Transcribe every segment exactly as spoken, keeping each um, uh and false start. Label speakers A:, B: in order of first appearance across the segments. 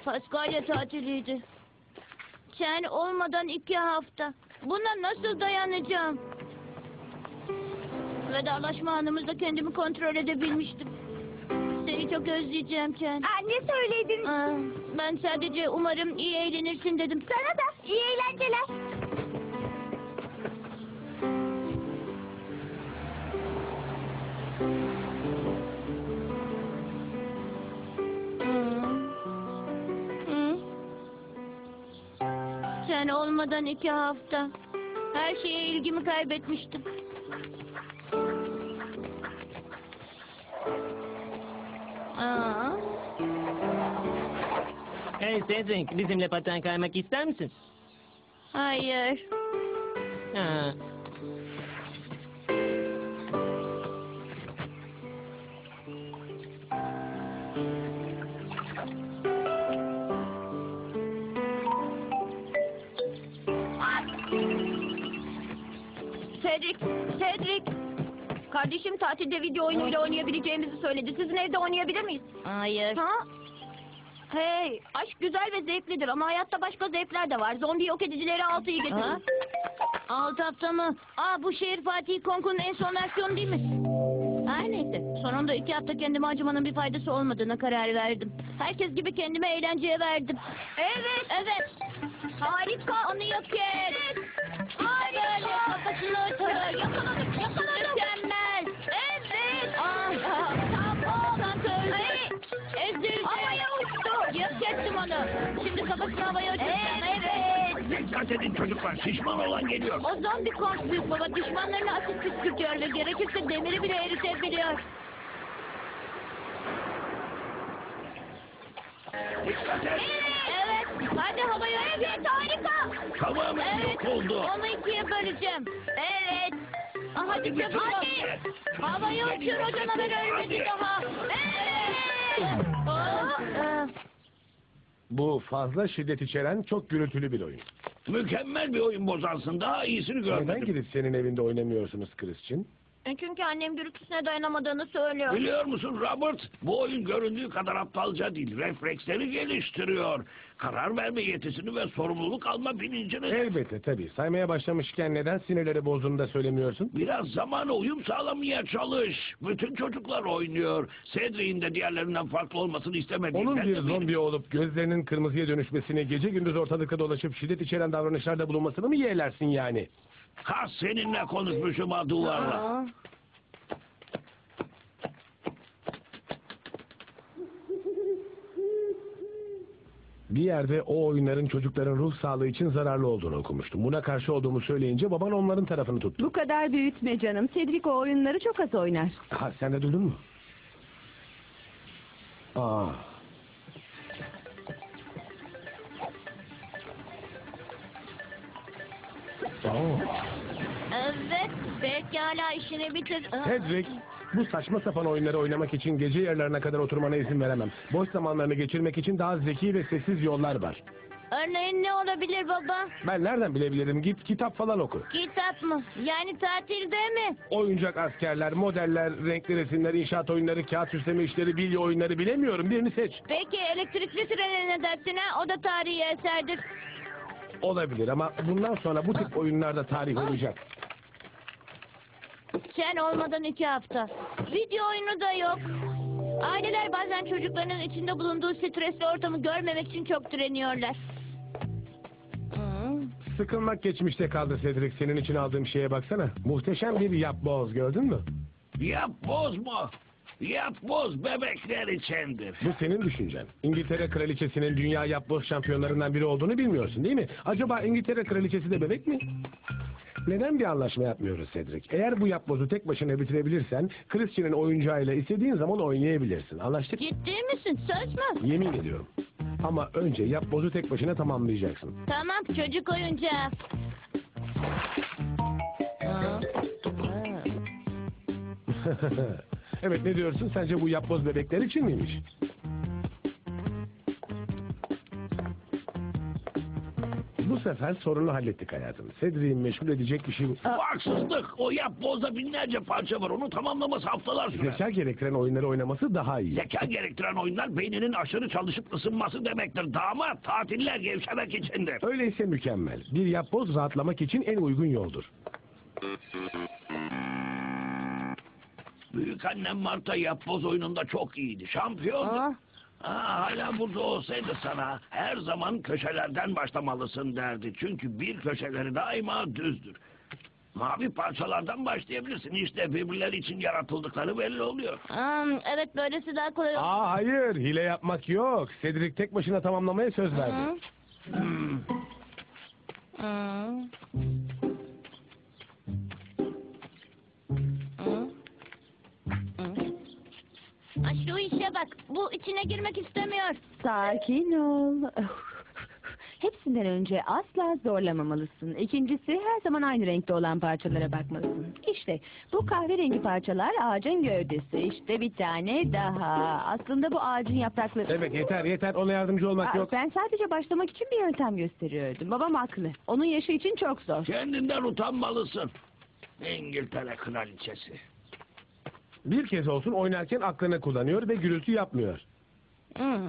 A: Paskalya tatiliydi. Sen olmadan iki hafta. Buna nasıl dayanacağım? Vedalaşma anımızda kendimi kontrol edebilmiştim. Seni çok özleyeceğim Ken.
B: Aa, ne söyledin?
A: Aa, ben sadece umarım iyi eğlenirsin dedim.
B: Sana da iyi eğlenceler.
A: Hı? Sen olmadan iki hafta. Her şeye ilgimi kaybetmiştim. Aa.
C: Hey Cedric, bizimle paten kaymak ister misin?
A: Hayır.
C: Ha.
A: Cedric, Cedric. Kardeşim tatilde video oyunuyla oynayabileceğimizi söyledi. Sizin evde oynayabilir miyiz? Hayır. Ha? Hey, aşk güzel ve zevklidir ama hayatta başka zevkler de var. Zombi yok edicileri altıyı getirin. Ha? Alt hafta mı? Aa, bu şehir Fatih Konku'nun en son versiyonu değil mi? Her neyse. Sonunda iki hafta kendime acımanın bir faydası olmadığına karar verdim. Herkes gibi kendime eğlenceye verdim. Evet, evet. Harika. Onu yok et. Harika. Kafasını ötür. Yakaladık, yakaladık. Mükemmel. Evet. Ah, tamam. Santör. Ezildi. Havaya uçtu. Yok ettim onu. Şimdi kafasını havaya uçuracağım. Evet.
D: Dikkat edin çocuklar, şişman olan geliyor.
A: O zombi kont büyük baba düşmanlarına asit püskürtüyor ve gerekirse demiri bile eritebiliyor.
D: Dikkat et.
A: Evet, hadi havaya. Evet, harika.
D: Tamamen
A: Evet,
D: yok oldu.
A: onu ikiye böleceğim. Evet. Ah, hadi çabuk. Hadi. Havaya uçur o canavar ölmedi daha. Evet. Aa,
E: Bu fazla şiddet içeren çok gürültülü bir oyun.
D: Mükemmel bir oyun bozansın. Daha iyisini
E: Neden
D: görmedim.
E: gidip senin evinde oynamıyorsunuz Christian?
A: e, çünkü annem gürültüsüne dayanamadığını söylüyor.
D: Biliyor musun Robert? Bu oyun göründüğü kadar aptalca değil. Refleksleri geliştiriyor. Karar verme yetisini ve sorumluluk alma bilincini...
E: Elbette tabii. Saymaya başlamışken neden sinirleri bozduğunu da söylemiyorsun?
D: Biraz zamana uyum sağlamaya çalış. Bütün çocuklar oynuyor. Cedric'in de diğerlerinden farklı olmasını istemediğinden
E: Onun bir
D: eminim.
E: zombi olup gözlerinin kırmızıya dönüşmesini, gece gündüz ortalıkta dolaşıp şiddet içeren davranışlarda bulunmasını mı yeğlersin yani?
D: Ha seninle konuşmuşum ha duvarla.
A: Aa.
E: Bir yerde o oyunların çocukların ruh sağlığı için zararlı olduğunu okumuştum. Buna karşı olduğumu söyleyince baban onların tarafını tuttu.
B: Bu kadar büyütme canım. Cedric o oyunları çok az oynar.
E: Ha, sen de duydun mu? Aa. Oo.
A: Evet, pekala işini bitir. Aa.
E: Cedric, bu saçma sapan oyunları oynamak için gece yarılarına kadar oturmana izin veremem. Boş zamanlarını geçirmek için daha zeki ve sessiz yollar var.
A: Örneğin ne olabilir baba?
E: Ben nereden bilebilirim? Git kitap falan oku.
A: Kitap mı? Yani tatilde mi?
E: Oyuncak askerler, modeller, renkli resimler, inşaat oyunları, kağıt süsleme işleri, bilye oyunları bilemiyorum. Birini seç.
A: Peki elektrikli trene ne dersin ha? O da tarihi eserdir.
E: Olabilir ama bundan sonra bu tip oyunlarda tarih olacak.
A: Sen olmadan iki hafta. Video oyunu da yok. Aileler bazen çocuklarının içinde bulunduğu stresli ortamı görmemek için çok direniyorlar. Hmm.
E: Sıkılmak geçmişte kaldı Cedric. Senin için aldığım şeye baksana. Muhteşem bir yapboz, gördün mü?
D: Yap bozma. Yap boz bebekler içindir.
E: Bu senin düşüncen. İngiltere Kraliçesi'nin dünya yapboz şampiyonlarından biri olduğunu bilmiyorsun değil mi? Acaba İngiltere Kraliçesi de bebek mi? Neden bir anlaşma yapmıyoruz Cedric? Eğer bu yapbozu tek başına bitirebilirsen, Christian'ın oyuncağıyla istediğin zaman oynayabilirsin. Anlaştık mı?
A: Ciddi misin? Söz mü?
E: Yemin ediyorum. Ama önce yapbozu tek başına tamamlayacaksın.
A: Tamam, çocuk oyuncağı. Aa.
E: Evet, ne diyorsun? Sence bu yapboz bebekler için miymiş? Bu sefer sorunu hallettik hayatım. Cedric'i meşgul edecek bir şey...
D: Bu haksızlık. O yapbozda binlerce parça var. Onu tamamlaması haftalar sürer.
E: Zeka gerektiren oyunları oynaması daha iyi.
D: Zeka gerektiren oyunlar beyninin aşırı çalışıp ısınması demektir. Damat, tatiller gevşemek içindir.
E: Öyleyse mükemmel. Bir yapboz rahatlamak için en uygun yoldur.
D: Büyük annem Marta yapboz oyununda çok iyiydi. Şampiyondu.
A: Aa.
D: Aa, hala burada olsaydı sana her zaman köşelerden başlamalısın derdi. Çünkü bir köşeleri daima düzdür. Mavi parçalardan başlayabilirsin. İşte birbirleri için yaratıldıkları belli oluyor.
A: Hmm, evet böylesi daha kolay olur.
E: Aa hayır, hile yapmak yok. Cedric tek başına tamamlamaya söz verdi.
D: Hmm.
A: Hmm. Hmm. Hmm. Ha, şu işe bak. Bu içine girmek istemiyor.
B: Sakin ol. Hepsinden önce asla zorlamamalısın. İkincisi her zaman aynı renkte olan parçalara bakmalısın. İşte bu kahverengi parçalar ağacın gövdesi. İşte bir tane daha. Aslında bu ağacın yaprakları.
E: Evet yeter yeter, ona yardımcı olmak
B: Aa,
E: yok.
B: Ben sadece başlamak için bir yöntem gösteriyordum. Babam haklı. Onun yaşı için çok zor.
D: Kendinden utanmalısın. İngiltere kraliçesi.
E: Bir kez olsun oynarken aklını kullanıyor ve gürültü yapmıyor.
A: Hmm.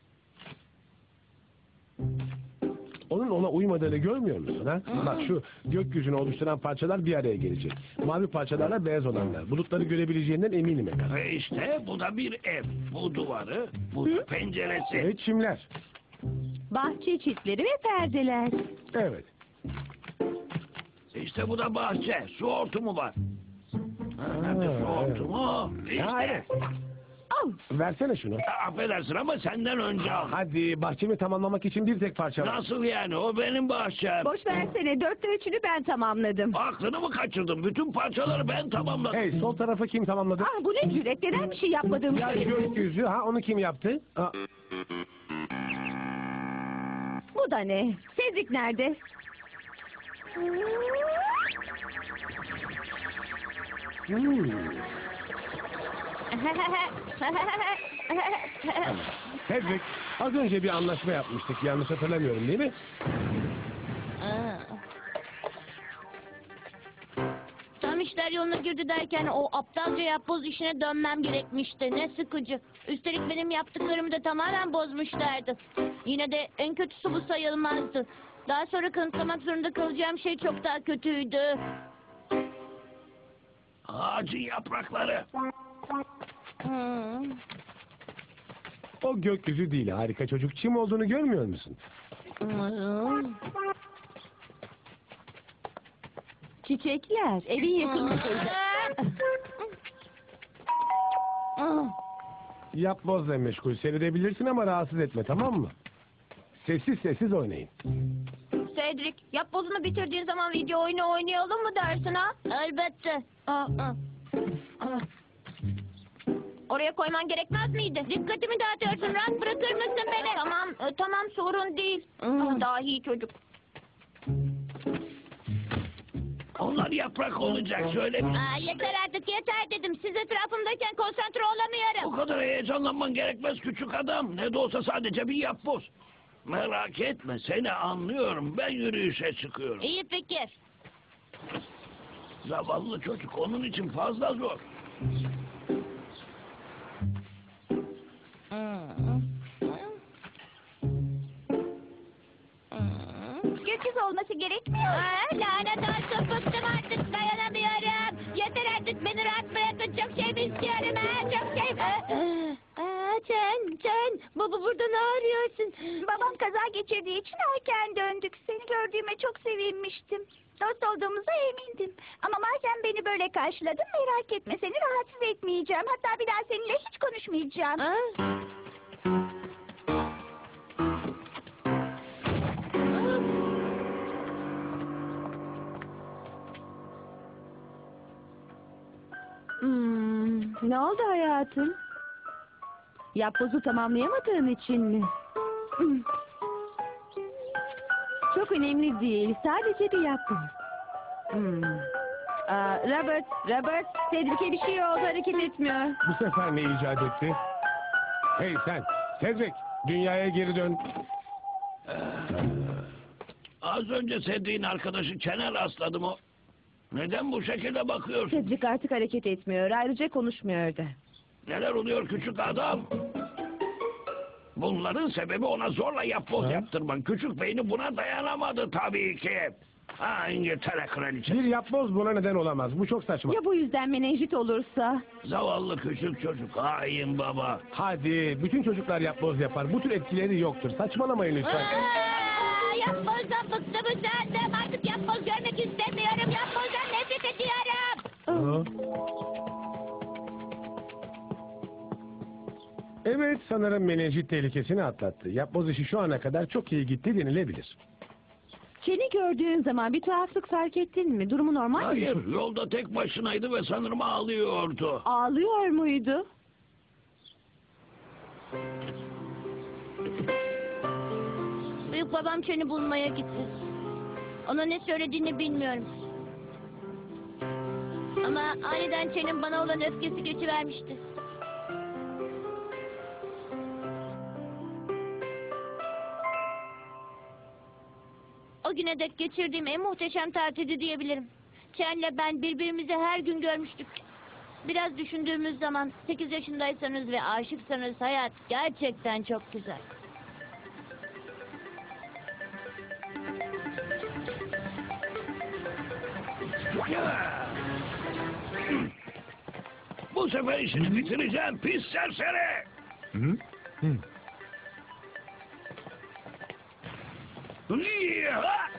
E: Onun ona uymadığını görmüyor musun ha? Bak şu gökyüzünü oluşturan parçalar bir araya gelecek. Mavi parçalarla beyaz olanlar. Bulutları görebileceğinden eminim efendim.
D: Ve işte bu da bir ev. Bu duvarı, bu da penceresi.
E: Evet çimler.
B: Bahçe çitleri ve perdeler.
E: Evet.
D: İşte bu da bahçe. Su hortumu var. Ha, nerede su hortumu?
E: Ha,
D: İşte.
E: evet.
B: Al.
E: Versene şunu.
D: Ya, affedersin ama senden önce al.
E: Hadi bahçemi tamamlamak için bir tek parça var.
D: Nasıl yani? O benim bahçem.
B: Boş versene. Dörtte üçünü ben tamamladım.
D: Aklını mı kaçırdın? Bütün parçaları ben tamamladım.
E: Hey, sol tarafı kim tamamladı?
B: Ah bu ne cüret. Neden bir şey yapmadığımı
E: Ya
B: söylüyorsun?
E: gökyüzü, ha onu kim yaptı? Ha,
B: Bu da ne? Cedric nerede?
E: hmm. Cedric, az önce bir anlaşma yapmıştık. Yanlış hatırlamıyorum değil mi?
A: Aa. Tam işler yoluna girdi derken o aptalca yapboz işine dönmem gerekmişti. Ne sıkıcı. Üstelik benim yaptıklarımı da tamamen bozmuşlardı. Yine de en kötüsü bu sayılmazdı. Daha sonra kanıtlamak zorunda kalacağım şey çok daha kötüydü.
D: Ağacın yaprakları.
A: Hmm.
E: O gökyüzü değil, harika çocuk. Çim olduğunu görmüyor musun?
A: Hmm.
B: Çiçekler. Evin yakınında.
A: Hmm.
E: Yapbozla meşgul seyredebilirsin ama rahatsız etme, tamam mı? Sessiz sessiz oynayın.
A: Cedric, yapbozunu bitirdiğin zaman video oyunu oynayalım mı dersin ha? Elbette. Aa, aa. Aa. Oraya koyman gerekmez miydi? Dikkatimi dağıtıyorsun. Rahat bırakır mısın beni? Tamam, e, tamam sorun değil. Ah, dahi çocuk.
D: Onlar yaprak olacak. Şöyle bir...
A: Aa, yeter artık yeter dedim. Siz etrafımdayken konsantre olamıyorum.
D: O kadar heyecanlanman gerekmez küçük adam. Ne de olsa sadece bir yapboz. Merak etme, seni anlıyorum. Ben yürüyüşe çıkıyorum.
A: İyi fikir.
D: Zavallı çocuk, onun için fazla zor.
A: Gökyüzü olması gerekmiyor. Aa, lanet olsun bıktım artık dayanamıyorum. Yeter artık beni rahat bırakın. Çok şey mi istiyorum ha? Çok şey mi? Aa, Can, Can. Baba burada ne arıyorsun?
B: Babam kaza geçirdiği için erken döndük. Seni gördüğüme çok sevinmiştim. Dost olduğumuza emindim. Ama madem beni böyle karşıladın merak etme. Seni rahatsız etmeyeceğim. Hatta bir daha seninle hiç konuşmayacağım.
A: Aa.
B: Hmm, ne oldu hayatım? Yapbozu tamamlayamadığın için mi? Hmm. Çok önemli değil. Sadece bir yapboz. Hmm. Aa, Robert, Robert, Cedric'e bir şey oldu. Hareket etmiyor.
E: Bu sefer ne icat etti? Hey sen, Cedric, dünyaya geri dön.
D: Az önce Cedric'in arkadaşı Çen'e rastladım o. Neden bu şekilde bakıyorsun?
B: Cedric artık hareket etmiyor. Ayrıca konuşmuyor da.
D: Neler oluyor küçük adam? Bunların sebebi ona zorla yapboz
E: Ha?
D: yaptırman. Küçük beyni buna dayanamadı tabii ki. Ha, İngiltere kraliçesi.
E: Bir yapboz buna neden olamaz. Bu çok saçma.
B: Ya bu yüzden menenjit olursa?
D: Zavallı küçük çocuk. Hain baba.
E: Hadi bütün çocuklar yapboz yapar. Bu tür etkileri yoktur. Saçmalamayın lütfen.
A: Aa, yapbozdan bıktım usandım. Artık yapboz görmek istemiyorum. Yapbozdan nefret ediyorum.
E: Hı. Evet, sanırım menenjit tehlikesini atlattı. Yapboz işi şu ana kadar çok iyi gitti denilebilir.
B: Ken'i gördüğün zaman bir tuhaflık fark ettin mi? Durumu normal mi?
D: Hayır, yolda tek başınaydı ve sanırım ağlıyordu.
B: Ağlıyor muydu?
A: Büyük babam Çen'i bulmaya gitti. Ona ne söylediğini bilmiyorum. Ama aniden Çen'in bana olan öfkesi geçivermişti. O güne dek geçirdiğim en muhteşem tatildi diyebilirim. Çen'le ben birbirimizi her gün görmüştük. Biraz düşündüğümüz zaman sekiz yaşındaysanız ve aşıksanız hayat gerçekten çok güzel.
D: Ya! Bu sefer işini bitireceğim pis serseri.
E: Hı? Hı.
D: Ya!